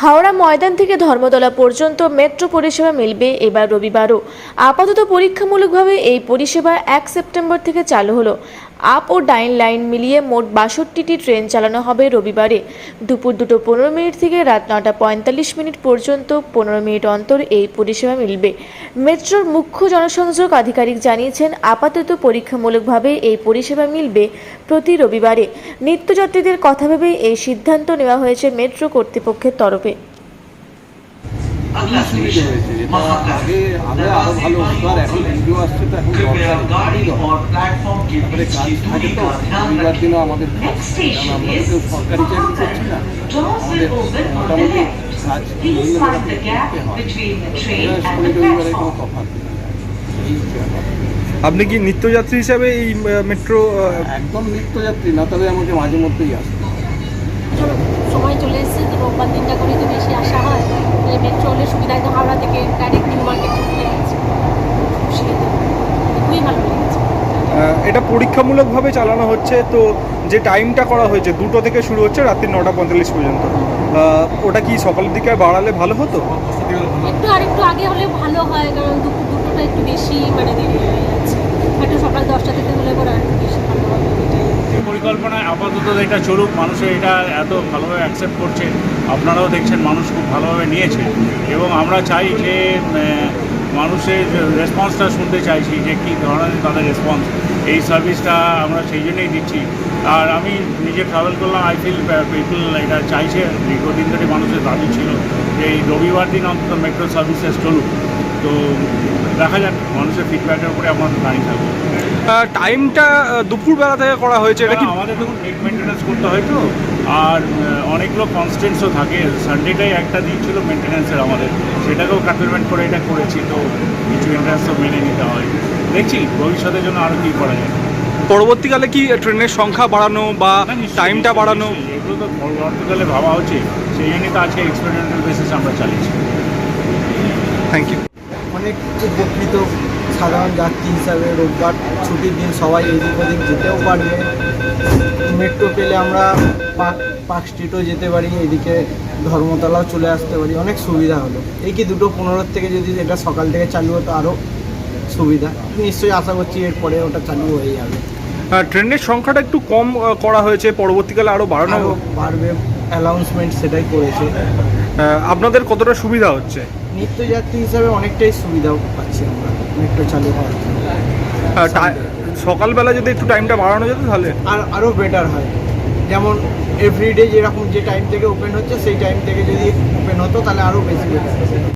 হাওড়া ময়দান থেকে ধর্মতলা পর্যন্ত মেট্রো পরিষেবা মিলবে এবার রবিবারও। আপাতত পরীক্ষামূলকভাবে এই পরিষেবা 1 সেপ্টেম্বর থেকে চালু হলো। আপ ও ডাউন লাইন মিলিয়ে মোট 62টি ট্রেন চালানো হবে রবিবারে। দুপুর 2:15 থেকে রাত 9:45 পর্যন্ত 15 মিনিট অন্তর এই পরিষেবা মিলবে। মেট্রোর মুখ্য জনসংযোগ আধিকারিক জানিয়েছেন, আপাতত পরীক্ষামূলকভাবে এই পরিষেবা মিলবে প্রতি রবিবারে। নিত্যযাত্রীদের কথা ভেবে এই সিদ্ধান্ত নেওয়া হয়েছে মেট্রো কর্তৃপক্ষের তরফে। আপনি কি নিত্যযাত্রী হিসাবে এই মেট্রো? একদম নিত্যযাত্রী না, তবে আমাকে মাঝে মধ্যেই আসতে সময় চলে এসেছে, তো রোববার দিনটা করে তো বেশি আসা হয়। তাহলে মেট্রো হলে সুবিধা, একদম হাওড়া থেকে ডাইরেক্ট নিউ মার্কেট চলে যাচ্ছে, খুবই ভালো লেগেছে। এটা পরীক্ষামূলকভাবে চালানো হচ্ছে, তো যে টাইমটা করা হয়েছে 2টো থেকে শুরু হচ্ছে রাত্রি 9:45 পর্যন্ত, ওটা কি সকালের দিকে বাড়ালে ভালো হতো? আরেকটু আগে হলে ভালো হয়, কারণ দুটোটা একটু বেশি দেরি হয়ে যাচ্ছে। একটু সকাল 10টা থেকে হলে পরে আর একটু বেশি ভালো হবে। পরিকল্পনায় আপাতত এটা চলুক, মানুষের এটা এত ভালোভাবে অ্যাকসেপ্ট করছে, আপনারাও দেখছেন মানুষ খুব ভালোভাবে নিয়েছে, এবং আমরা চাই যে মানুষের রেসপন্সটা শুনতে চাইছি যে কী ধরনের তাদের রেসপন্স। এই সার্ভিসটা আমরা সেই জন্যই দিচ্ছি। আর আমি নিজে ট্রাভেল করলাম, আই ফিল পিপল এটা চাইছে, দীর্ঘদিন ধরে মানুষের দাবি ছিল যে এই রবিবার দিন অন্তত মেট্রো সার্ভিসেস চলুক। তো দেখা যাক, মানুষের ফিডব্যাকের উপরে আমাদের দাঁড়িয়ে থাকবো। টাইমটা দুপুরবেলা থেকে করা হয়েছে, এটা কি? আমাদের দেখুন নেট মেনটেন্যান্স করতে হয় তো, আর অনেকগুলো কনস্টেন্টসও থাকে। সানডেটাই একটা দিন ছিল মেনটেন্যান্সের আমাদের, সেটাকেও কাটলমেন্ট করে এটা করেছি, তো কিছু মেনটেন্যান্স তো মেনে নিতে হয়। দেখছি ভবিষ্যতের জন্য আরও কী করা যায়। পরবর্তীকালে কি ট্রেনের সংখ্যা বাড়ানো বা টাইমটা বাড়ানো, এগুলো তো পরবর্তীকালে ভাবা হচ্ছে, সেই জন্যই তো আজকে এক্সপেরিমেন্টাল বেসিস আমরা চালিয়েছি। Thank you. অনেক উপকৃত সাধারণ যাত্রী হিসাবে। রোববার ছুটির দিন, সবাই এদিক ওদিক যেতেও পারবে। মেট্রো পেলে আমরা পার্ক স্ট্রিটও যেতে পারি, এদিকে ধর্মতলাও চলে আসতে পারি, অনেক সুবিধা হলো। এই কি 2:15 থেকে যদি এটা সকাল থেকে চালু হতো আরও সুবিধা। নিশ্চয়ই আশা করছি এরপরে ওটা চালু হয়ে যাবে। ট্রেনের সংখ্যাটা একটু কম করা হয়েছে, পরবর্তীকালে আরও বাড়ানো বাড়বে, অ্যানাউন্সমেন্ট সেটাই করেছে। আপনাদের কতটা সুবিধা হচ্ছে? নিত্যযাত্রী হিসাবে অনেকটাই সুবিধা পাচ্ছি আমরা মেট্রো চালু হওয়ার জন্য। সকালবেলা যদি একটু টাইমটা বাড়ানো যেত তাহলে আরও বেটার হয়। যেমন এভরিডে যেরকম যে টাইম থেকে ওপেন হচ্ছে সেই টাইম থেকে যদি ওপেন হতো তাহলে আরও বেশি বেটার।